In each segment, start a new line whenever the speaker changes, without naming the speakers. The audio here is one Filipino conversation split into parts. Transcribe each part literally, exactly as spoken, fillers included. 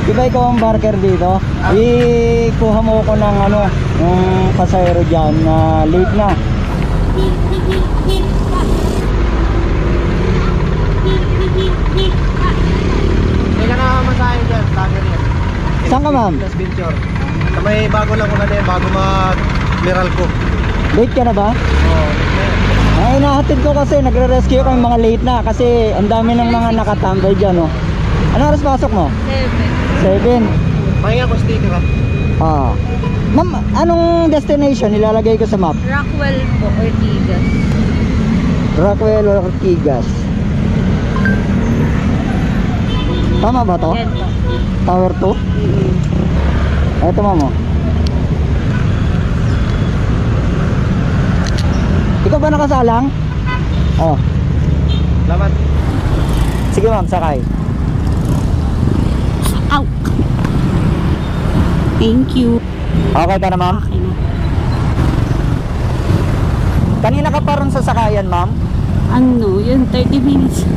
Di ba ikaw ang barker dito? Ikuha mo ko ng ano, yung pasahero dyan na late na.
May nakakamasahin dyan, lager yan.
Saan ka, ma'am?
Plus Venture. May bago lang ko na din, bago mag-miral ko.
Late ka na ba?
Oo, oh,
Ay, nahatid ko kasi, nagre-rescue ko yung mga late na kasi ang dami ng mga nakatambay dyan, oh. Ano oras pasok mo?
Seven.
seven.
Pahinga ko sticker ha.
Ah. Ma'am, anong destination nilalagay ko sa map?
Rockwell po, Ortigas.
Rockwell or Ortigas. Tama ba to?
Yan po.
Tower two?
Mm-hmm.
Eto, ma'am, oh. Ikaw ba nakasalang? Oh.
Lamat.
Sige, ma'am, sakay.
Ow! Thank you.
Okay ka na, ma'am?
Okay na.
Kanina ka pa ron sa sakayan, ma'am?
Ano, yun, thirty minutes.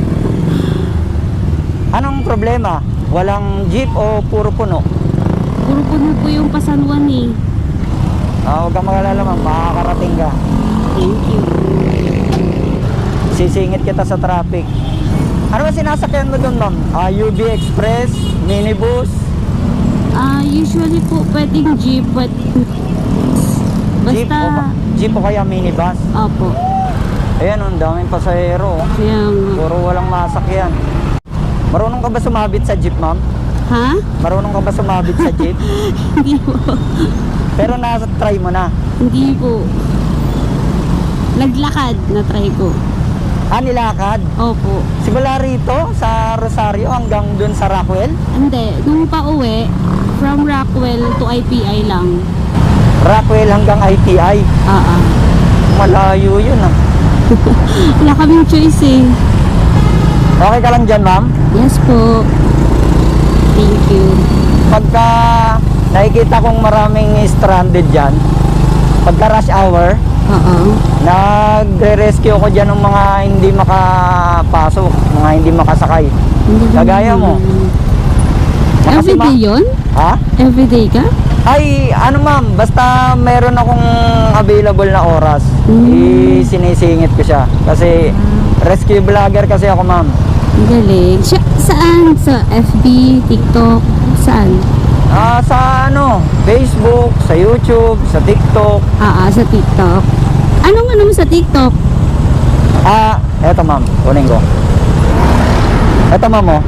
Anong problema? Walang jeep o puro puno?
Puro puno po yung pasanuan eh.
Ah, huwag kang magalala, ma'am. Makakarating ka.
Thank you.
Sisingit kita sa traffic. Ano ba sinasakyan mo doon, ma'am? Ah, U B Express, minibus?
Ah, usually po pwedeng jeep, but
Jeep o,
basta,
ba- jeep o kaya minibus?
opo.
Ayan, ang daming pasahero. Oh.
Kaya nga.
Puro walang masakyan. Marunong ka ba sumabit sa jeep, ma'am?
Ha?
Marunong ka ba sumabit sa jeep?
Hindi po.
Pero nasa-try mo na.
Hindi po. Naglakad na try ko.
Ah, nilakad?
Opo.
Simula rito sa Rosario hanggang dun sa Rockwell?
Hindi. Nung pa-uwi, from Rockwell to I P I lang.
Rockwell hanggang I T I?
Ah, ah.
Malayo yun, ah.
Wala kaming choice eh.
Okay ka lang dyan, ma'am?
Yes po. Thank you.
Pagka nakikita kong maraming stranded dyan, pagka rush hour,
Oo.
nagre-rescue ko dyan ng mga hindi makapasok, mga hindi makasakay.
Hindi naman
Kagaya mo.
naman.
Nakasima-
Everyday yun?
Ha?
Everyday ka?
Ay, ano ma'am, basta meron akong available na oras,
Mm.
isinisingit ko siya. Kasi rescue vlogger kasi ako, ma'am.
Ang galing. Siya, saan? Sa F B, TikTok? Saan?
Ah, sa ano, Facebook, sa YouTube, sa TikTok.
Ah, ah, sa TikTok. Anong ano mo sa TikTok?
Ah, eto ma'am, kunin ko. Eto ma'am, oh.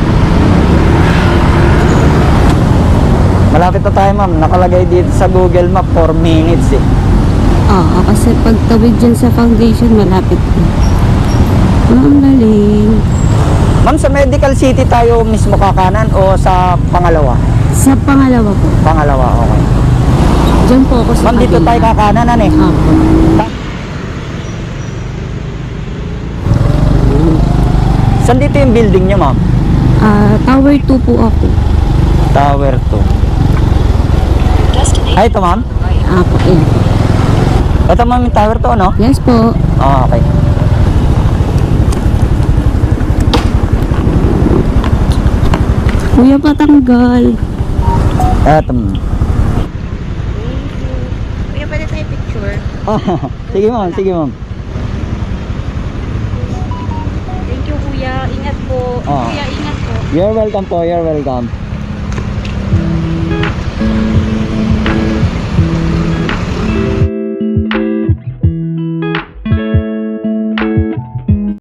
Malapit na tayo, ma'am. Nakalagay dito sa Google Map four minutes eh.
Oo, kasi pagtawid dyan sa foundation, malapit na. Ah, ang galing.
Ma'am, sa Medical City tayo mismo kakanan o sa pangalawa?
Sa pangalawa po.
Pangalawa, okay.
Diyan po ako sa
Ma'am, dito
kabila.
tayo kakanan, ano eh.
Opo.
Saan dito yung building nyo, ma'am?
Ah, Tower two po ako.
Tower two. Ay, ito, ma'am?
Ah, po. Ayan.
Ito, ma'am, yung Tower two, no?
Yes po.
Oh, okay.
Kuya, patanggal.
Eto, ma'am.
Kuya, pwede tayo picture?
Ah, sige, ma'am, sige, ma'am.
Thank you, kuya. Ingat po.
Ah.
Kuya, ingat po.
You're welcome po, you're welcome.